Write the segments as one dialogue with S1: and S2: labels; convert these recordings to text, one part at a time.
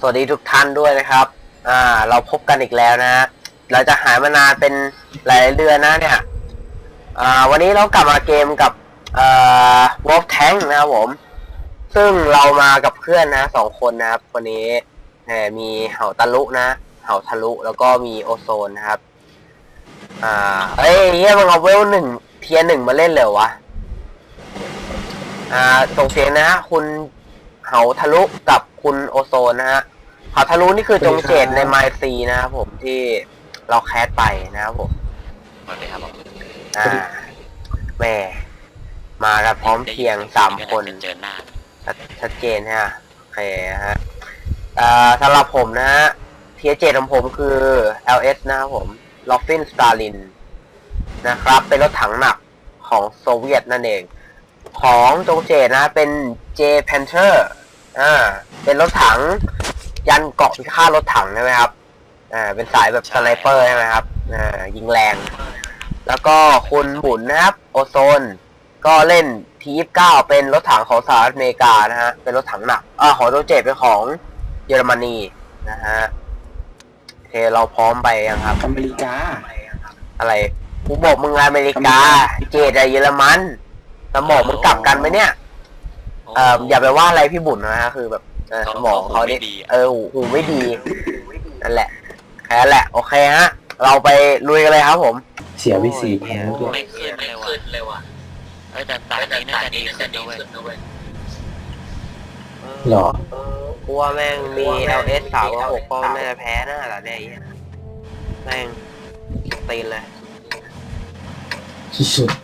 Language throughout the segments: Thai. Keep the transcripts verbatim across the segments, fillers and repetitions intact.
S1: วัสดีทุกท่านด้วยนะครับอ่าเราพบกันอีกแล้วนะเราจะหายมานานเป็นหลายเดือนนะเนี่ยอ่าวันนี้เรากลับมาเกมกับเอ่อ Wolf Tank นะครับผมซึ่งเรามากับเพื่อนนะสองคนนะครับวันนี้เนี่ยมีเห่าตะลุนะเห่าทะลุแล้วก็มีโอโซนนะครับอ่าเอ้ยเฮียมึงเอาเวลหนึ่งเทียร์หนึ่งมาเล่นเลยวะอ่าส่งเสียงนะฮะคุณเห่าทะลุกับคุณโอโซนนะฮะเห่าทะลุนี่คือจงเจตในไมซีนะครับผมที่เราแคสไปนะครับผม
S2: สวัสดีครับผม
S1: อ่าแม่มากันพร้อมเพียงสามคน
S2: เจอหน้า
S1: ชัดเจนฮะโอเคฮะอ่าสำหรับผมนะฮะเทียร์เจตของผมคือ แอล เอส นะครับผมลอฟฟินสตาลินนะครับเป็นรถถังหนักของโซเวียตนั่นเองของจงเจตนะเป็น J Panther อ่าเป็นรถถังยันเกาะพิฆาตรถถังใช่ไหมครับอ่าเป็นสายแบบสไนเปอร์ใช่ไหมครับอ่ายิงแรงแล้วก็คุณหมุนนะครับโอโซนก็เล่น ที ยี่สิบเก้า เป็นรถถังของสหรัฐอเมริกานะฮะเป็นรถถังหนักอ่าของจงเจตเป็นของเยอรมนีนะฮะโอเคเราพร้อมไปยังครับ
S3: อเมริกา
S1: อะไรกูบอกมึงอเมริกาเจตอะเยอรมันสมองมึงกลับกันไหมเนี่ยเอ่ออย่าไปว่าอะไรพี่บุญนะฮะคือแบบสมองเขาเนี่ยเออหูไม่ดีนั่นแหละแค่นั้นแหละโอเคฮะเราไปลุยกันเลยครับผม
S3: เสียวิสีแพงด้วย
S2: ไม่ขึ้นเลยว่ะเออแต่ตานี้น่าจะดีขึ้นด้วย
S3: หรอ
S1: กูว่าแม่งมี แอล เอส สามกับหกก็น่าจะแพ้น่าละเนี่ยแม่งตีนเลย
S3: สุด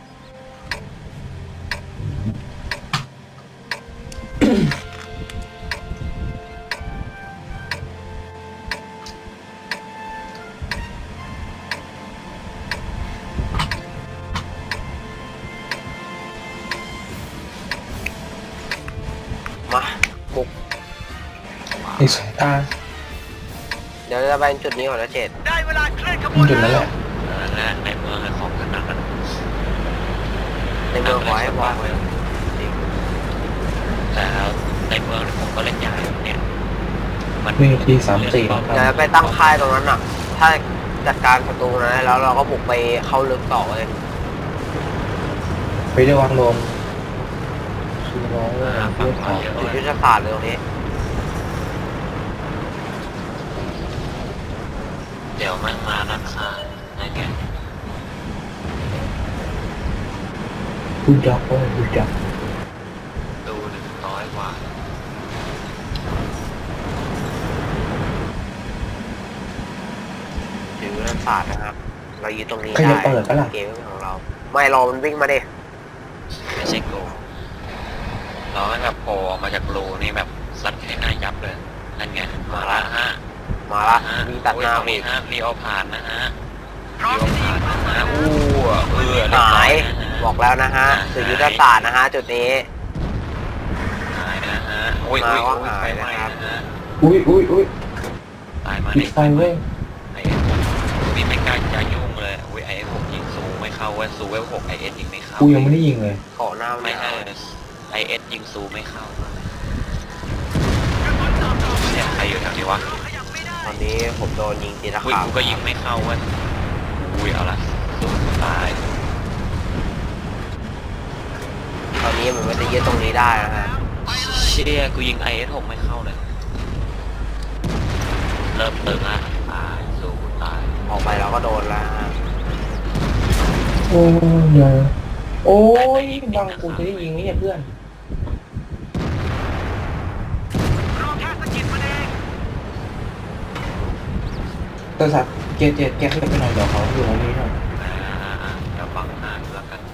S1: มาบุก
S3: ไอสายตา
S1: เดี๋ยวจะไปจุดนี้ก่อนนะเจด
S3: ได้เวลาเคลื่อนขบวนจุดนั้นแหละ
S2: และในเมืองของกันนั้น
S1: ในเมืองไว้วางไว้
S2: แต่ในเมืองผมก็เล่นใหญ่เนี่ย
S3: มันมีทีสามสี่
S1: เดี๋ยวไปตั้งค่ายตรงนั้นอ่ะถ้าจัดการประตูนะแล้วเราก็บุกไปเข้าลึกต่อเลย
S3: ไปได้วางลมคือร้องว่าเพื่อถาม
S1: จุดยุทธศาสตร์เลยตรงนี้
S2: เดี๋ยวมันมานักฆ่าอะไรเงี้ย
S3: พูดจักว่าพูดจัก
S2: ดูหนึ่งร้อยกว่า
S1: จุดยุทธศาสตร์นะครับเรายืนตรงนี้ได้เกมของเราไม่รอมันวิ่งมาดิ
S2: ไม่ใช่โกเราให้แบบโผล่ออกมาจากรูนี่แบบซัดให้หน้ายับเลยนั่นไงมาละฮะ
S1: มาละมีตัดหน้า
S2: มีฮะรีโอผ่านนะฮะรีโอผ่านนะฮะอู้เออ
S1: หายบอกแล้วนะฮะสื่อยุทธศาสตร์นะฮะจุดนี้
S2: หายนะฮะอุ้ย
S1: อุ้ยหายนะครับ
S3: อุ้ยอุ้ยอุ้ย
S2: ตายมา
S3: ในไฟเว้ย
S2: ไอเอสนี่ไม่กล้าจะยุ่งเลยอุ้ยไอเอสหกยิงซูไม่เข้าเว้ยซูเวลหกไอเอสยิงไม่เข้า
S3: กูยังไม่ได้ยิงเลย
S1: ขอหน้า
S2: ไม่เข้าไอเอสยิงซูไม่เข้าเนี่ยใครอยู่แถวนี้วะ
S1: ตอนนี้ผมโดนยิงตีตะขาบ
S2: กูก็ยิงไม่เข้าเว้ยอุ้ยเอาละซูตาย
S1: ตอนนี้มันไม่ได้ยึดตรงนี้ได้นะฮะ
S2: เชี่ยกูยิงไอเอสหกไม่เข้าเลยเริ่มตึงละตายซูตาย
S1: ออกไปเราก็โดนแล้วฮะ
S3: โอ้ยโอ้ยบังกูจะได้ยิงนี่เพื่อนตัวสัตว์เจ็ดเจ็ดแกขึ้นไปหน่อยเดี๋ยวเขาอยู่ตรงนี้หน่อย
S2: เดี๋ยวบังหน้าแล้วกัน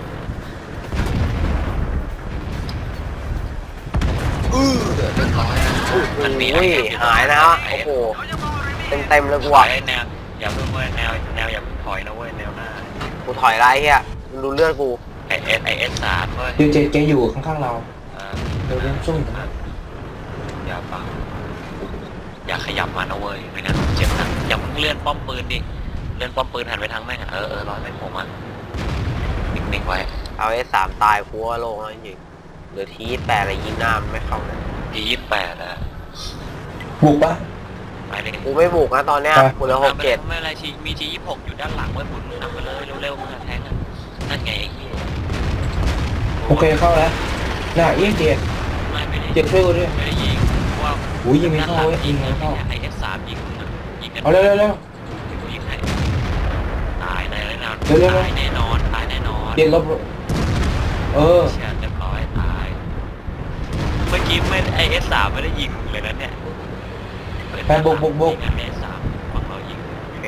S1: อือเดือดร้อยมันมีหายนะฮะโอ้โหเต็มเต็มเลยกูอ่ะ
S2: แนวอย่าเพิ่งเว้ยแนวแนวอย่าเพิ่งถอยนะเว้ยแนวหน้า
S1: กูถอยไรเฮียดูเลือดกู
S2: ไอเอสไอเอสสามเว้ย
S3: เจ็ดเจ็ดแกอยู่ข้างๆเราเดี๋ยวเล่นสู้นะ
S2: อย่าฟังอย่าขยับมานะเว้ยไม่งั้นเจ็บนะอย่าเพิ่งเลื่อนป้อมปืนดิเลื่อนป้อมปืนหันไปทางแม่งเออเออร้อยแม่งผมอ่ะนิ่งๆไว้
S1: เอาไอ้สามตายพัวโลงแล้วจริงเหลือทีแปดอะไรยิงหน้ามันไม่เข้าเลย
S2: ทียี่แปดอะ
S3: บุกปะ
S2: ไปเลย
S1: กูไม่บุกนะตอนเนี้ย
S3: ไป
S1: กูเหลือหกเจ็ด
S2: ไม่เป็นไรชีมีชียี่หกอยู่ด้านหลังไว้บุญนำไปเลยเร็วๆมึงอะแทงอะนั่นไงไอ้เหี้ย
S3: โอเคเข้าแล้วน่ะเอี้ยเจ็ด
S2: ไม่ไม่ได้
S3: เจ็ดช่วยกูด้วย
S2: ไม่ได้ยิงเพราะว่า
S3: อุ้ยยิงไม่เข้าเว้ยยิงไม่เข้า
S2: ไอเอฟสามยิงมึงอะยิงกัน
S3: เอาเร็วเร็วเร็ว
S2: กูยิงให้ตายแน่แน่นอน
S3: เร็วเร็วเร็ว
S2: ตายแน่นอนตายแน่นอน
S3: เจ็ดลบเออ
S2: เชี่ยเรียบร้อยตายเมื่อกี้ไม่ไอเอฟสามไม่ได้ยิงเลยนะเนี่ย
S3: ไปบุกบุกบุก
S2: ยิงไอเอฟสามฝั่งเรายิง
S1: โอเค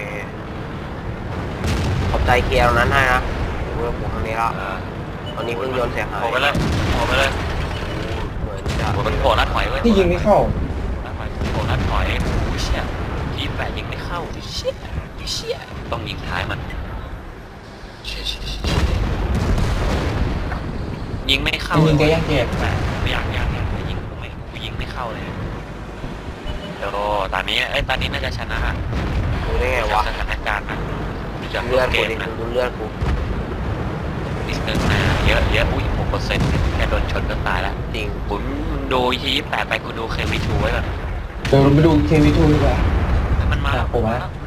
S1: ขอบใจเคลียร์ตรงนั้นให้นะกูจะบุกทางนี้แล้ว
S2: เออ
S1: ตอนนี้เพิ่งโยนเสียหาย
S2: โผล่ไปเลยโผล่ไปเลย
S1: เหมือนจะ
S2: โผล่มันโผล่ลัดถอยไว้ย
S3: ที่ยิงไม่เข้า
S2: ลัดถอยโผล่ลัดถอยโอ้ยเชี่ยทีแปดยิงไม่เข้าเชี่ยเชี่ยต้องยิงท้ายมันเชี่ยเชี่ยเชี่ยยิงไม่เข้า
S3: ยิงแกยังเจ็บ
S2: แปดไม่อยากอยากอยากยิงกูไม่กูยิงไม่เข้าเลยโอ้ตอนนี้ไอ้ยตอนนี้น่าจะชนะ
S1: ดูได้ไงวะ
S2: จากสถานการณ์นะจาก
S1: เลือด
S2: เก
S1: กู
S2: ม
S1: ดิ
S2: นะ
S1: ดูเลือดกู
S2: นิดนึงนะเยอะเยอะอุ้ยหกเปอร์เซ็นต์แค่โดนชนก็ตายแล้ว
S1: จริง
S2: ผมดูทีแปดไปกูดูเคมีทูไว้ก่อน
S3: เดี๋ยวเราไปดูเควีทูดีกว่า
S2: มันมาแล้ว
S3: อ่ะผม
S2: มา
S3: มา
S2: แล้ว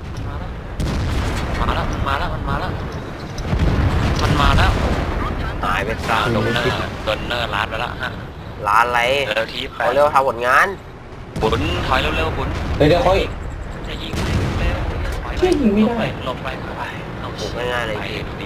S2: มันมาแล้วมันมาแล้วมันมาแล้วมันมาแล้ว
S1: หายไป
S2: อ่า
S1: ซะ
S2: โดนเนอร์โดนเนอร์ล้านไปแล้วฮะ
S1: ร้านอะไร
S2: เร็วทีแป
S1: เขา
S2: ด
S1: เร็วทำผลงาน
S2: บุญถอยเร็วๆบุญ
S3: เดี๋ยวเดี๋ยวเขาอีก
S2: จะยิงเร็วถอย
S3: เชี่ยยิงไม่ได้
S2: หลบไปหลบไปเอา
S1: บุกง่ายๆเลย
S2: ไป
S1: จริง
S2: ดูดิ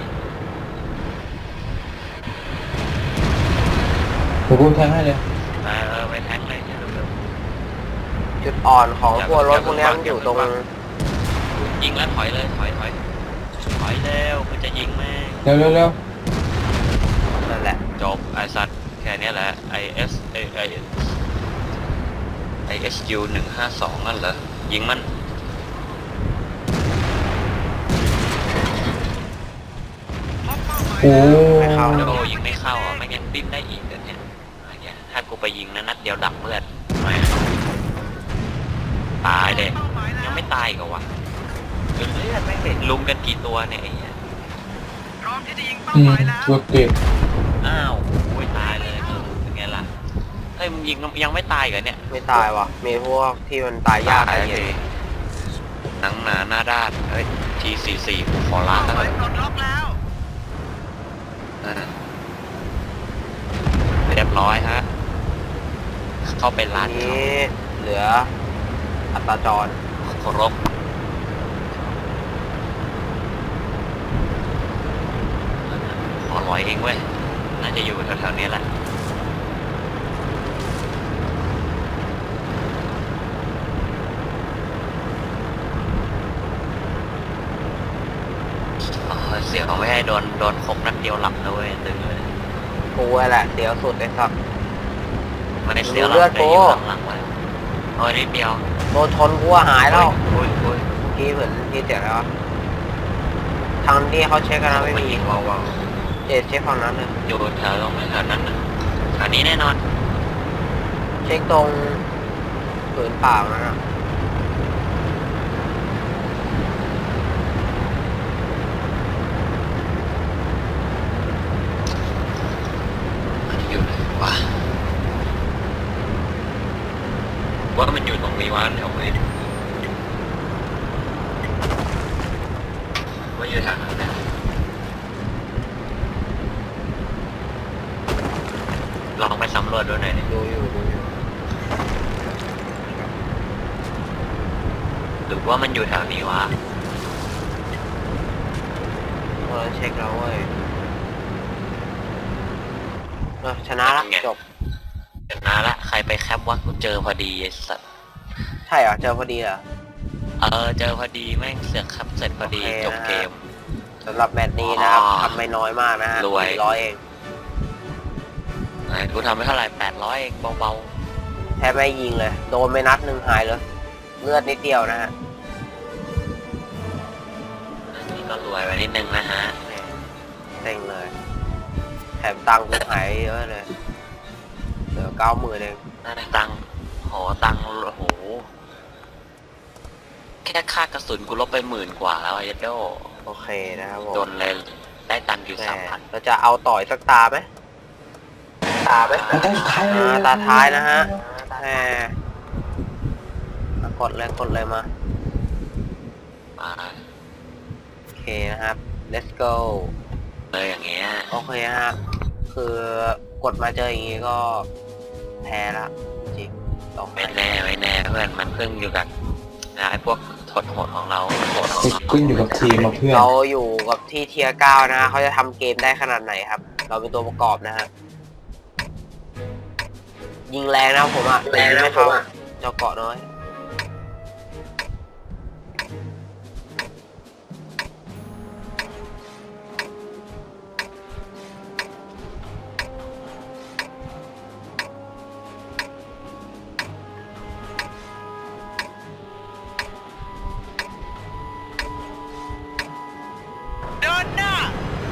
S3: เดี๋ยวกูแทงให้เลย
S2: ไปเออไปแทงเลยเร็ว
S1: จุดอ่อนของพวกรถพวกเนี้ยมันอยู่ตรง
S2: ๆยิงแล้วถอยเลยถอยถอยถอยเร็วกูจะยิงแม่ง
S3: เร็วเร็วเร็ว
S1: นั่นแหละ
S2: จบไอสัตว์แค่เนี้ยแหละ I S ไอไอ I S U หนึ่งห้าสองนั่นเหรอยิงมัน
S3: โอ้
S1: ไม่เข้า
S2: โอ้ยิงไม่เข้าอ่ะไม่งั้นดิ้นได้อีกเดี๋ยวเนี่ยอะไรเงี้ยถ้ากูไปยิงนะนัดเดียวดับเลือดแหมตายเลยยังไม่ตายอีก็วะเลือดไม่เป็นลุมกันกี่ตัวเนี่ยไอ้เหี้ย
S3: อืมตัวเก็บ
S2: อ้าวโอ้ยตายเลยเออเป็นไงล่ะเฮ้ยมึงยิงยังไม่ตายเหรอเนี่ย
S1: ไม่ตายว่ะ มีพวกที่มันตายยากอะไรอย่างเงี้ย
S2: หนังหนาหน้าด้านเฮ้ยทีสี่สี่ขอล้างแล้วกันเออเรียบร้อยฮะเข้าไป
S1: ที
S2: ร้าน
S1: นี้เหลืออัตราจร
S2: เคารพขอร้อยเองเว้ยน่าจะอยู่แถวๆนี้แหละอ๋อเสียงเอาไม่ให้โดนโดนครบนัดเดียวหลับนะเว้ยตึงเลย
S1: กูแหละเดี๋ยวสุดเลยครับ
S2: ไม่ได้เสียวห
S1: ดูเลื
S2: ลั
S1: อด
S2: บได้
S1: กู
S2: อยู่หลังๆไว้โอ้ยนิดเดียว
S1: โดนชนกูว่าหายแล้ว
S2: โอ้ยโอ้ย
S1: เมื่อกี้เหมือนที่เจ็บแล้ว ทางที่เขาเช็คกันนะไม่มี
S2: ยิงวาว
S1: เจ็ดเช็คฝั่งนั้นเลย
S2: ๆอยู่แถวตรงแถวนั้นนะอันนี้แน่นอน
S1: เช็คตรงผืนเปล่านั่นน่ะ
S2: มันอยู่ไหนวะว่ามันอยู่ตรงนี้วะแถวไหนว่าอยู่ทางนั้นนะลองไปสำรวจดูหน่อยดิ
S1: ดูอยู่ดูอยู่
S2: หรือว่ามันอยู่แถวนี้วะ
S1: พวกนั้นเช็คแล้วเว้ยเออชนะละจบ
S2: เดี๋ยวนะละใครไปแคปวะกูเจอพอดีไอ้สัส
S1: ใช่เหรอเจอพอดีเหรอ
S2: เออเจอพอดีแม่งเสือกแคปเสร็จพอดี
S1: โอเค
S2: จบ
S1: นะฮะ
S2: เกม
S1: สำหรับแมตช์นี้นะครับ
S2: อ๋อ
S1: ทำไม่น้อยมากนะฮะ
S2: รวย
S1: สี่ร้อยเอง
S2: ไหนกูทำไปเท่าไหร่แปดร้อยเองเบา
S1: แทบไม่ยิงเลย โดนไปนัดหนึ่งหายเลย เลือดนิดเดียวนะฮะ
S2: ๆอันนี้ก็รวยไปนิดนึงนะฮะ
S1: แหม่เต็งเลย แถมตังค์กูหายเยอะเลย เหลือเก้าหมื่นเอง
S2: ได้ตังค์โหตังค์โหแค่ค่ากระสุนกูลบไปหมื่นกว่าแล้วไอ้เจ้า
S1: โอเคนะครับผม
S2: โดนเลยได้ตังค์อยู่
S1: แหม่
S2: สามพัน
S1: เราจะเอาต่อยสักตาไหมตาไหม
S3: ตาสุดท้ายเลย
S1: อ่าตาท้ายนะฮะแหมกดเลยกดเลยมา
S2: มา
S1: โอเคนะครับ let's go
S2: เลยอย่างเงี้ย
S1: โอเคฮะ คือกดมาเจออย่างงี้ก็แพ้ละจริงๆต้อง
S2: ไม่แน่ไม่แน่เพื่อนมันขึ้นอยู่กับนะไอ้พวกทดโหดของเราโหดของเรา
S3: ขึ้นอยู่กับทีมมาเพื่อน
S1: เราอยู่กับที่เทียร์เก้านะฮะเขาจะทำเกมได้ขนาดไหนครับ เราเป็นตัวประกอบนะฮะ ยิงแรงนะผมอะแต่ยิงไม่เข้าเจ้าเกาะน้อย
S2: เดินหน้า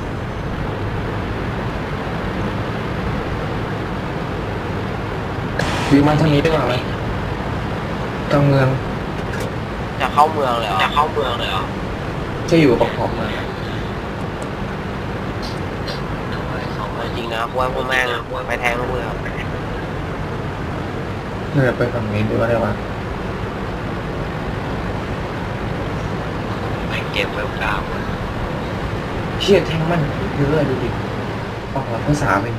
S3: วิวมาทางนี้ได้ไหมกลางเมือง
S1: จะเข้าเมืองเลยเหรอ จะเข้าเมืองเลยเหรอ
S3: จะอยู่ประกอบมา
S1: จริงนะพวกพวกแม่งไปแทงเมือง
S3: เพื่อไปฝั่งนี้ดูว่าได้ปะ
S2: แม่งเกมเวลเก้า
S3: เชี่ยแทงมันเยอะดูดิออกหลังภาษาไป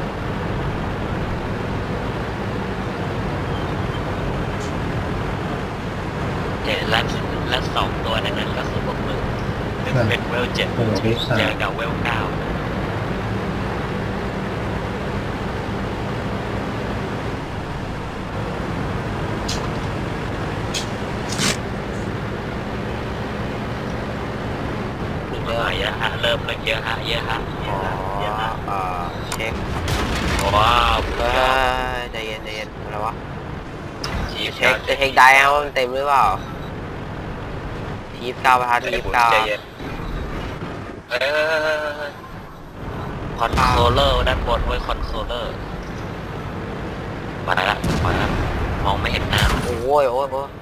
S2: เจ็ดและและสองตัวในนั้นก็คือพวกมึงหนึ่งเป็นเวลเจ็ด
S3: โอ้โหวิสา
S2: เจอกับเวลเก้า
S1: เย
S2: เย
S1: อะ
S2: อะเยอะฮะเริ่มเลยเยอะฮะเยอะฮะ
S1: อ๋อเอ่อเช็ค
S2: ว้าว
S1: เฮ้ยใจเย็นใจเย็นอะไรวะ
S2: ชี
S1: จะเช็คจะเช็คได้ครับว่ามันเต็มหรือเปล่าทีฟเก้าประทัดทีฟเก้า
S2: เออคอนโทรลเลอร์ด้านบนไว้คอนโทรลเลอร์มาละมาละมองไม่เห็นหน้า
S1: โอ้ยโอ้ยโอ้ย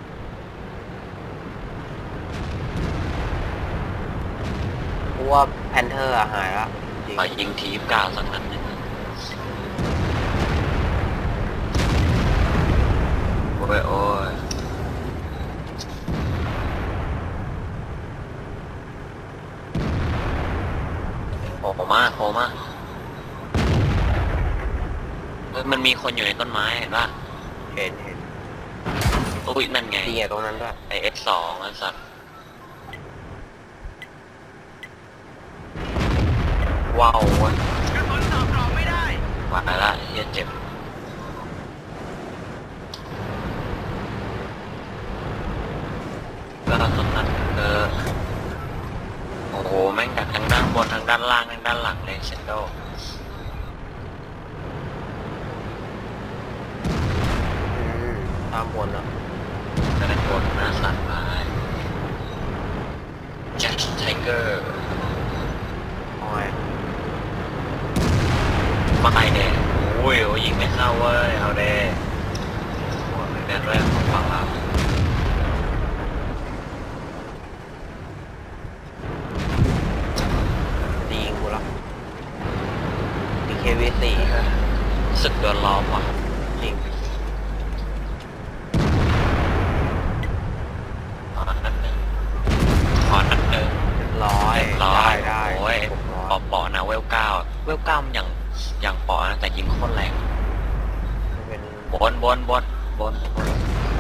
S1: กูว่าแพนเทอร์อะหายละจริง
S2: มายิงทีมเก้าสักนัดหนึงโอ้ยโอ้ยโผล่มาโผล่มาเฮ้ยมันมีคนอยู่ในต้นไม้เห็นป่ะ
S1: เห็นเห็น
S2: อุ้ยนั่นไง
S1: จริงอะตรงนั้นด้วย
S2: ไอเอสสองไอ้สัตว์ว้าวเว้ยว่าละเฮียเจ็บแล้วตรงนั้นเออโอ้โหแม่งดักทั้งด้านบนทั้งด้านล่างทั้งด้านหลังเลยเชนโด
S1: อืมตามบนอะ
S2: ด้านบนหน้าสั่นไปแจ็คไทเกอร์
S1: โอ้ย
S2: ไม่เด้โอ้ยโอ้ยยิงไม่เข้าเว้ยเอาเด้โอ้ยแม่งแรกของฝั่งเรา
S1: ดียิงกูละดีเควีสี่
S2: สึกโดนล้อมว่ะ
S1: จริง
S2: ขอนัดหนึ่งขอนัดหนึ่ง
S1: ร้อย
S2: เรียบร้อย
S1: ได้
S2: โอ้ย
S1: ผมร้
S2: ป
S1: อ
S2: อย ปอนะเวลเก้าเวลเก้ามันอย่างอย่างปอนะแต่ยิงโคตรแรง
S1: เป็น
S2: บนบนบนบนบน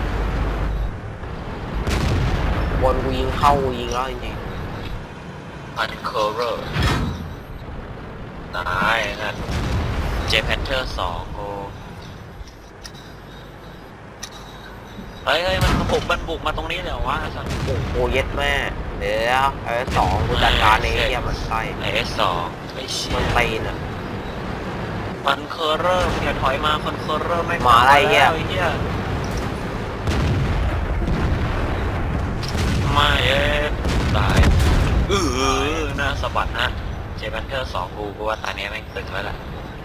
S1: บนกูยิงเข้ากูยิงแล้วจริง
S2: อันเคอร์เรอร์ตายนะเจแพนเทอร์สองโอ้เฮ้ยเฮ้ยมันบุกมันบุกมาตรงนี้เลยเหรอวะสัส
S1: ๆโอ้โหเย็ดแม่เดี๋ยวไอ้สองกูจัดการเองเฮียมันไส้
S2: ไอเอสสองไอเชี่
S1: มัน
S2: ย
S1: ตีนอ่ะ
S2: มันเคอร์เรอร์อย่าถอยมาคอนเคอร์เรอร์ไม่
S1: มาอะไรเหี้ย
S2: แล้วเหี้ยไม่เอ๊ะตายเออหน้าสะบัดฮะเจแพนเทอร์สองกูกูว่าตาเนี้ยแม่งตึงแล้วแหละ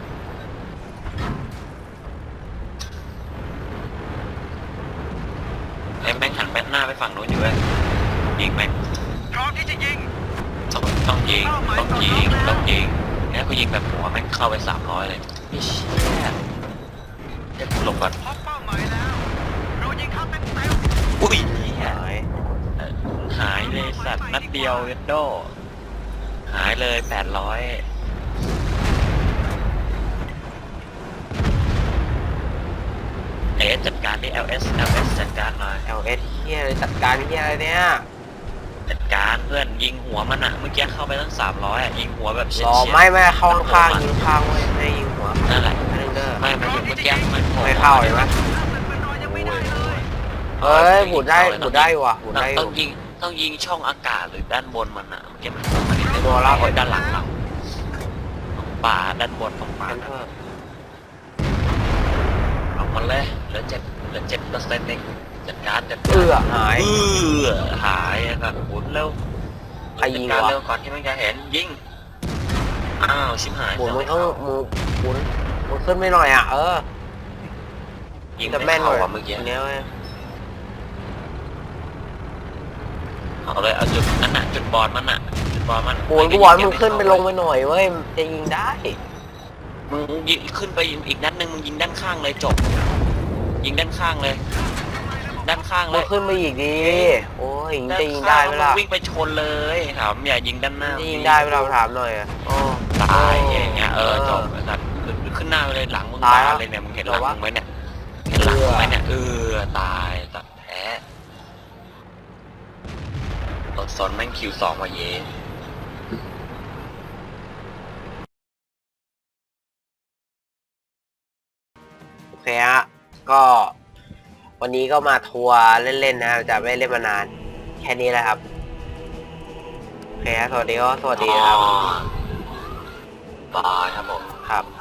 S2: ไอ้แม่งหันแบทหน้าไปฝั่งนู้นอยู่เว้ยยิงแม่ง
S4: พร้อมที่จะยิง
S2: ต้องต้องยิงต้องยิงต้องยิงเนี่ยกูยิงแบบหัวแม่งเข้าไปสามร้อยเลยไอ้เชี่ยเดี๋ยวกูหลบก่อน
S4: พบเป้าหมายแล้ว เรายิงเข้าเต็มเต็ม
S2: อุ้ย
S1: หาย
S2: หายเลยสัตว์นัดเดียวเวนโดหายเลยแปดร้อยเอสจัดการดิ แอล เอส แอล เอส จัดการหน่อย
S1: แอลเอสเฮียเลยจัดการเฮียอะไรเนี่ย
S2: จัดการเพื่อนยิงหัวมันอะเมื่อกี้เข้าไปตั้งสามร้อยอะยิงหัวแบบเฉียด
S1: รอ
S2: ๆ
S1: ไม่ไม่เข้าข้างๆยิงข้างเว้ยให้ยิงหัว
S2: นั่นแหละ
S1: ไม่ได้เด้อ
S2: ไม่ไม่ถึงเมื่อกี้มันโผล่
S1: ไม่เข้าเห็นไหมเอ้ยหมุนได้หมุนได้ว่ะหมุนได้อ
S2: ต้อยู่ งยิงต้องยิงช่องอากาศหรือด้านบนมันอะเมื่อกี้มันมัน
S1: โดนแล้ว
S2: โอ้ยด้านหลังเราตรงป่าด้านบนตรงป่า
S1: แคนเทอร์
S2: เอามันเลยเหลือเจ็ดเหลือเจ็ดเปอร์เซ็นต์เองจัดการจัดการ
S1: เอื้อหาย
S2: เออหายแบบหมุนเร็ว
S1: ใครยิง
S2: จัดการ
S1: วะ
S2: เร็วก่อนที่มันจะเห็นยิงอ้าวชิบหาย
S1: หมุนมึงต้องมึงหมุนมึงขึ้นไม่หน่อยอ่ะเออ
S2: ยิง
S1: จะ
S2: ไม่
S1: แม่นห
S2: เข้า
S1: น่อย
S2: อ่ะเมื่อกี้
S1: ทีเนี้ยเว้ย
S2: เอาเลยเอาจุดนั่นน่ะจุดบอลมันน่ะจุดบอลมัน
S1: หมุนกูบอกให้มึงขึ้นไปลงไปหน่อยเว้ยจะยิงได้
S2: มึงยิงขึ้นไปอีกนัดหนึ่งมึงยิงด้านข้างเลยจบ ยิงด้านข้างเลย ด้านข้างเล
S1: มึง
S2: ย
S1: ขึ้นไปอีกดีโอ้ยยิงจะยิงได้ไหมล่ะ
S2: วิ่งไปชนเลยถามอย่ายิงด้านหน้า
S1: จะยิงได้ไหมเราถามหน่อยอ่ะอ๋อ
S2: ตายอย่างเงี้ยเออจบไอ้สัตว์ขึ้นหน้าไปเลยหลังมึง
S1: ตาย
S2: ตาย
S1: แล้ว
S2: เลยเนี่ยมึงเห็นหลัง
S1: จบวะ
S2: มึงไหมเนี่ยเห็นหลังมึงไหมเนี่ยเออตายตัดแพ้รถซอนแม่งคิวสองว่ะเย่
S1: โอเคฮะก็วันนี้ก็มาทัวร์เล่นๆนะครับจะไม่เล่นมานานแค่นี้แหละครับโอเคฮะสวัสดีก็สวัสดีครับ
S2: บายครับผม
S1: ครับ